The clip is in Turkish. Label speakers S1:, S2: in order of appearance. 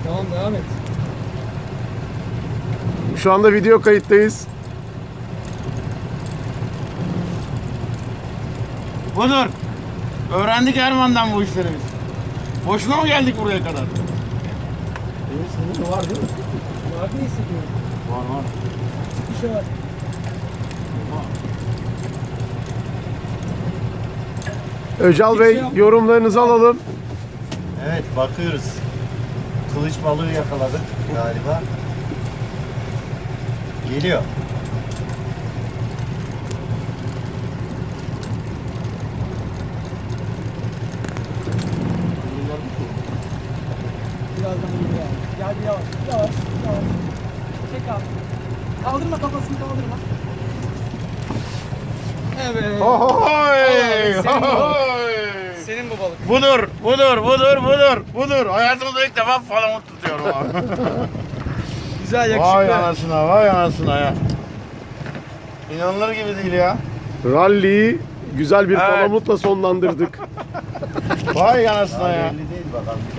S1: Tamam, devam et.
S2: Şu anda video kayıttayız.
S3: Budur. Öğrendik Erman'dan bu işleri biz. Boşuna mı geldik buraya kadar?
S1: Evet, senin de var değil mi? Var diye hissediyorum.
S3: Var.
S1: Bir şey var.
S2: Öcal Bey, yorumlarınızı alalım.
S4: Evet, bakıyoruz. Kılıç balığı yakaladık galiba. Geliyor.
S1: Birazdan geliyor abi. Gel bir yavaş. Yavaş. Çek abi. Kaldırma, kafasını kaldırma. Evet.
S3: Ohoy!
S1: Senin bu balık.
S3: Ohoy!
S1: Senin bu balık.
S3: Budur. Hayatımda ilk defa palamut tutuyorum abi.
S1: Güzel, yakışıklı.
S3: Vay anasına ya. İnanılır gibi değil ya.
S2: Rally'yi güzel bir
S3: Evet.
S2: palamutla sonlandırdık.
S3: Vay anasına ya.
S4: Belli değil bakalım.